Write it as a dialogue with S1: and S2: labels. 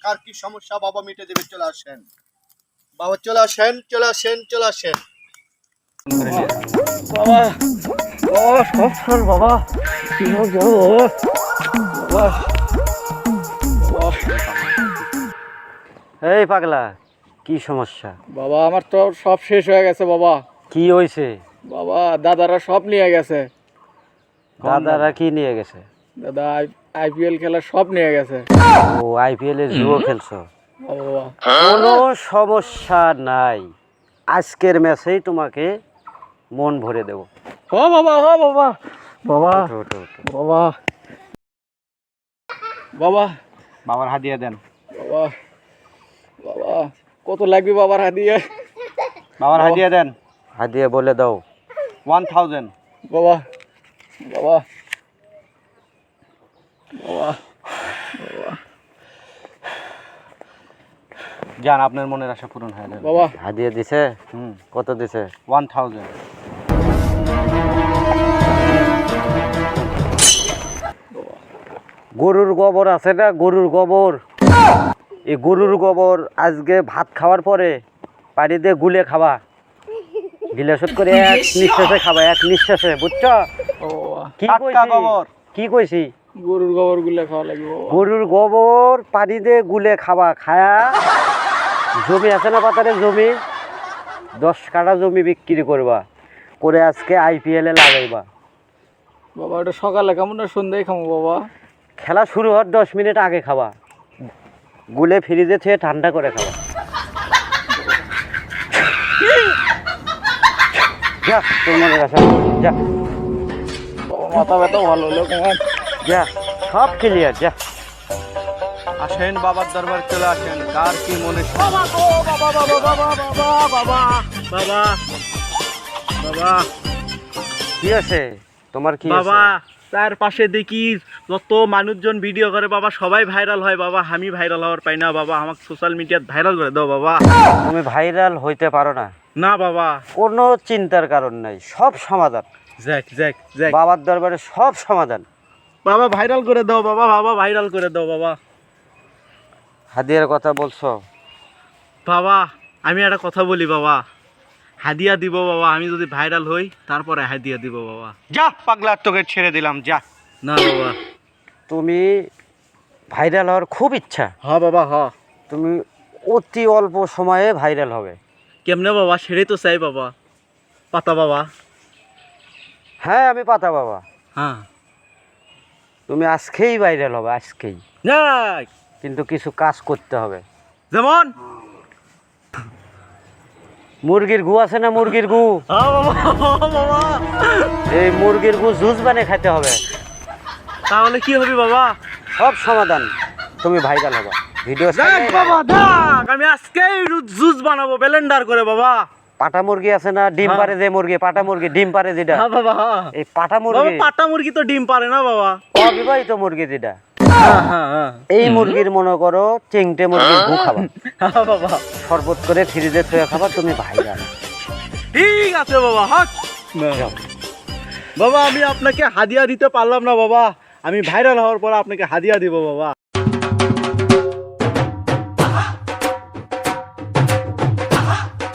S1: কার কি সমস্যা বাবা মিটে দেবে, চলে আসেন বাবা, চলে আসেন, চলে আসেন, চলে আসেন।
S2: বাবা বাবা সব সর বাবা, কি হোক যাবো বাবা।
S3: এই পাগলা, কি সমস্যা?
S2: বাবা আমার তো সব শেষ হয়ে গেছে বাবা।
S3: কি হয়েছে?
S2: বাবা দাদারা সব নিয়ে গেছে।
S3: দাদারা কি নিয়ে গেছে?
S2: দাদা আইপিএল খেলা সব নিয়ে গেছে।
S3: ও আইপিএল এর জুয়ো খেলছো?
S2: বাবা
S3: কোনো সমস্যা নাই, আজকের ম্যাচেই তোমাকে মন ভরে দেবো।
S2: ও বাবা, ও বাবা, বাবা
S3: ওঠো, ওঠো, ওঠো।
S2: বাবা বাবা
S3: বাবার হাদিয়া দেন।
S2: বাবা বাবা কত লাগবে বাবার হাদিয়া?
S3: বাবার হাদিয়া দেন। হাদিয়া বলে দাও। 1000।
S2: বাবা বাবা বাবা বাবা
S3: জান, আপনার মনের আশা পূরণ হয়ে যাবে।
S2: বাবা
S3: হাদিয়া দিছে? কত দিছে? 1000। গরুর গোবর আছে না, গরুর গোবর, এই গরুর গোবর আজকে ভাত খাওয়ার পরে পানি দিয়ে গুলে খাবা, গিলাসত করে এক নিঃশ্বাসে খাবা, এক নিঃশ্বাসে, বুঝছো?
S2: বাবা
S3: কি কইছি? কি কইছি?
S2: গরুর গোবর গুলা খাওয়া লাগবে বাবা।
S3: গরুর গোবর পানি দিয়ে গুলে খাবা, খায়া জমি আছে না পাতারে, জমি 10 কাঠা জমি বিক্রি করবা, করে আজকে আইপিএল এ লাগাইবা।
S2: বাবা এটা সকালে খাবো না সন্ধ্যায় খাবো বাবা?
S3: খেলা শুরু হওয়ার 10 মিনিট আগে খাবা, গুলে ফ্রিজে থেকে ঠান্ডা করে খাবা। যা, তোর মনে রাখা, যা
S2: বাবা মাথা ব্যথা ভালো হলো কেমন?
S3: যা, সব ক্লিয়ার, যা।
S1: আসেন বাবার দরবার, চলে আসেন, কার কি মনে।
S3: বাবা গো, বাবা বাবা বাবা বাবা বাবা বাবা বাবা, কি আছে তোমার? কি
S4: বাবা
S3: আছে?
S4: তার পাশে দেখি যত মানুষজন ভিডিও করে বাবা, সবাই ভাইরাল হয় বাবা, আমি ভাইরাল হওয়ার পাই না বাবা, আমাকে সোশ্যাল মিডিয়াত ভাইরাল করে দাও বাবা।
S3: তুমি ভাইরাল হইতে পারো না,
S4: না বাবা।
S3: কোনো চিন্তার কারণ নাই, সব সমাধান।
S4: জ্যাক জ্যাক জ্যাক
S3: বাবার দরবারে সব সমাধান।
S4: বাবা ভাইরাল করে দাও বাবা, বাবা ভাইরাল করে দাও বাবা।
S3: হাদিয়ার কথা বলছো?
S4: বাবা আমি একটা কথা বলি বাবা, হাদিয়া দিব বাবা, আমি যদি ভাইরাল হই তারপরে হাদিয়া দিব বাবা।
S1: যা পাগলা, তোকে ছেড়ে দিলাম, যা।
S4: না বাবা।
S3: তুমি ভাইরাল হওয়ার খুব ইচ্ছা?
S4: হ বাবা হ।
S3: তুমি অতি অল্প সময়ে ভাইরাল হবে।
S4: কেমনে বাবা? সেটাই তো চাই বাবা। পাতা বাবা।
S3: হ্যাঁ আমি পাতা বাবা।
S4: হ্যাঁ
S3: তুমি আজকেই ভাইরাল হবে, আজকেই।
S4: যাক।
S3: কিন্তু কিছু কাজ করতে হবে।
S4: যেমন
S3: মুরগির গু আছে না, মুরগির গু,
S4: হ্যাঁ বাবা, বাবা
S3: এই মুরগির গু জুস বানিয়ে খেতে হবে।
S4: তাহলে কি হবে বাবা?
S3: সব সমাধান, তুমি ভাইরাল হবে। ভিডিও
S4: দেখ বাবা দেখ, আমি আজকেই জুস বানাবো ব্লেন্ডার করে বাবা।
S3: পাটা মুরগি আছে না, ডিম পারে যে মুরগি, পাটা মুরগি ডিম পারে যেটা,
S4: হ্যাঁ বাবা হ্যাঁ।
S3: এই পাটা
S4: বাবা
S3: মুরগি,
S4: পাটা মুরগি তো ডিম পারে না বাবা।
S3: অবিবাহিত মুরগি যেটা,
S4: হ্যাঁ হ্যাঁ হ্যাঁ
S3: এই মুরগির মনে করো চেংটে মুরগির গু খাবা,
S4: হ্যাঁ বাবা।
S3: শরবত করে ফ্রিজে থুয়ে খাবা, তুমি ভাইরাল।
S4: ঠিক আছে বাবা। হ্যাঁ
S3: যাও।
S4: বাবা আমি আপনাকে হাদিয়া দিতে পারলাম না বাবা, আমি ভাইরাল হওয়ার পর আপনাকে হাদিয়া দিব বাবা।